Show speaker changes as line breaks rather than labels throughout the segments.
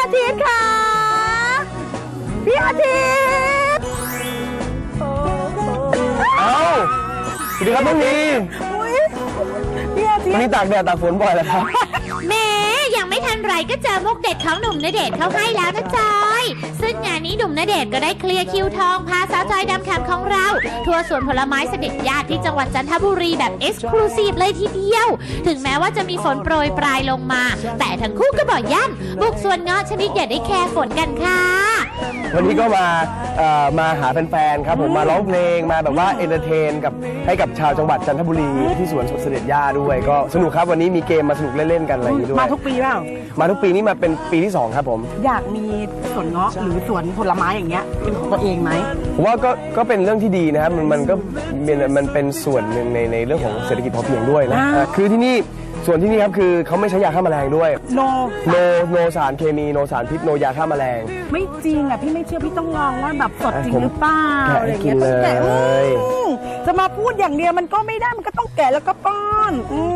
อาทิตย์ค่ะพี่อาทิตย์
เอ้าสวัสดีครับน้องนี
พี่อาทิต
วันนี้
ย์
ตากแดดตากฝนบ่อยแล้วครับ
แม้ยังไม่ทันไรก็เจอมุกเด็ดของหนุ่มณเดชน์เข้าให้แล้วนะจอยซึ่งงานนี้หนุ่มณเดชน์ก็ได้เคลียร์คิวทองพาสาวจอยดำแคมของเราทัวร์สวนผลไม้เสด็จญาติที่จังหวัดจันทบุรีแบบเอ็กซ์คลูซีฟเลยทีเดียวถึงแม้ว่าจะมีฝนโปรยปลายลงมา แต่ทั้งคู่ก็บอกยั่นบุกสวนเงาะชนิดอย่าได้แคร์ฝนกันค่ะ
วันนี้ก็มาหาแฟนๆครับผมมาร้องเพลงมาแบบว่าเอนเตอร์เทนให้กับชาวจังหวัดจันทบุรีที่สวนเสด็จย่าด้วยก็สนุกครับวันนี้มีเกมมาสนุกเล่นๆกันอะไรอย่างนี้ด้วย
มาทุกปีเปล่า
มาทุกปีนี้มาเป็นปีที่ 2 ครับผม
อยากมีสวนเงาะหรือสวนผลไม้อย่างเงี้ยเป็นของตัวเองไหม
ผมว่าก็เป็นเรื่องที่ดีนะครับมันเป็นส่วนหนึ่งในเรื่องของเศรษฐกิจพอเพียงด้วยนะคือที่นี่ส่วนที่นี่ครับคือเขาไม่ใช้ยาฆ่าแมลงด้วย โนสารเคมีโนสารพิษโนยาฆ่าแมลง
ไม่จริงอ่ะพี่ไม่เชื่อพี่ต้องลองว่าแบบสดจริงหรือเปล่า
แกะ
อะไรอย่างเงี้ย
กิน
ต้องแกะ
เลย
จะมาพูดอย่างเดียวมันก็ไม่ได้มันก็ต้องแกะแล้วก็ป้อน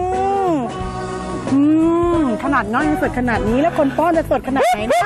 ขนาดน้อยยังสดขนาดนี้แล้วคนป้อนจะสดขนาดไหนนะ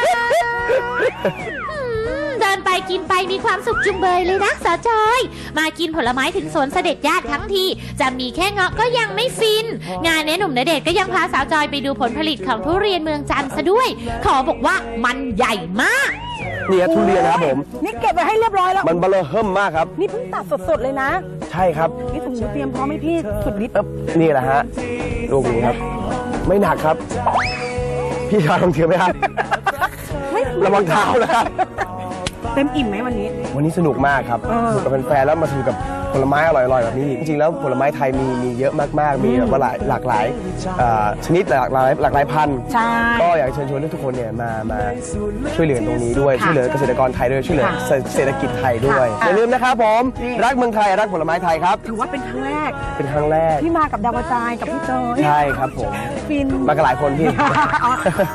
เดินไปกินไปมีความสุขจุงเบยเลยนะสาวจอยมากินผลไม้ถึงสวนเสด็จญาติทั้งทีจะมีแค่เงาะก็ยังไม่ฟินงานนี้หนุ่มณเดชน์ก็ยังพาสาวจอยไปดูผลผลิตของทุเรียนเมืองจันทร์ซะด้วยขอบอกว่ามันใหญ่มาก
เนี่ยทุเรียนนะครับผม
นี่เก็บไว้ให้เรียบร้อยแล้ว
มันเบลอเฮิ่มมากครับ
นี่เพิ่งตัดสดๆเลยนะ
ใช่ครับ
นี่ถุงมือเตรียมพร้อมให้พี่สุดฤทธิ์
นี่แหละฮะลูกนี้ครับ ไม่หนักครับ พี่ชายลองถือไหมครับระวังเท้านะครับ
เต็มอิ่มไหมวันนี้
วันนี้สนุกมากครับสนุกกับแฟนๆแล้วมาสนุกกับผลไม้อร่อยๆแบบนี้จริงๆแล้วผลไม้ไทยมีเยอะมากๆมีแบบว่าหลากหลายชนิดหลากหลายพันธุ์
ใช่
ก็อยากเชิญชวนทุกคนเนี่ยมาช่วยเหลือตรงนี้ด้วยช่วยเหลือเกษตรกรไทยด้วยช่วยเหลือเศรษฐกิจไทยด้วยอย่าลืมนะครับผมรักเมืองไทยรักผลไม้ไทยครับ
ถือว่าเป็นครั้งแรก
เป็นครั้งแรก
ที่มากับดาวกระจายกับพี่จอย
ใช่ครับผม
ฟิน
มากันหลายคนพี่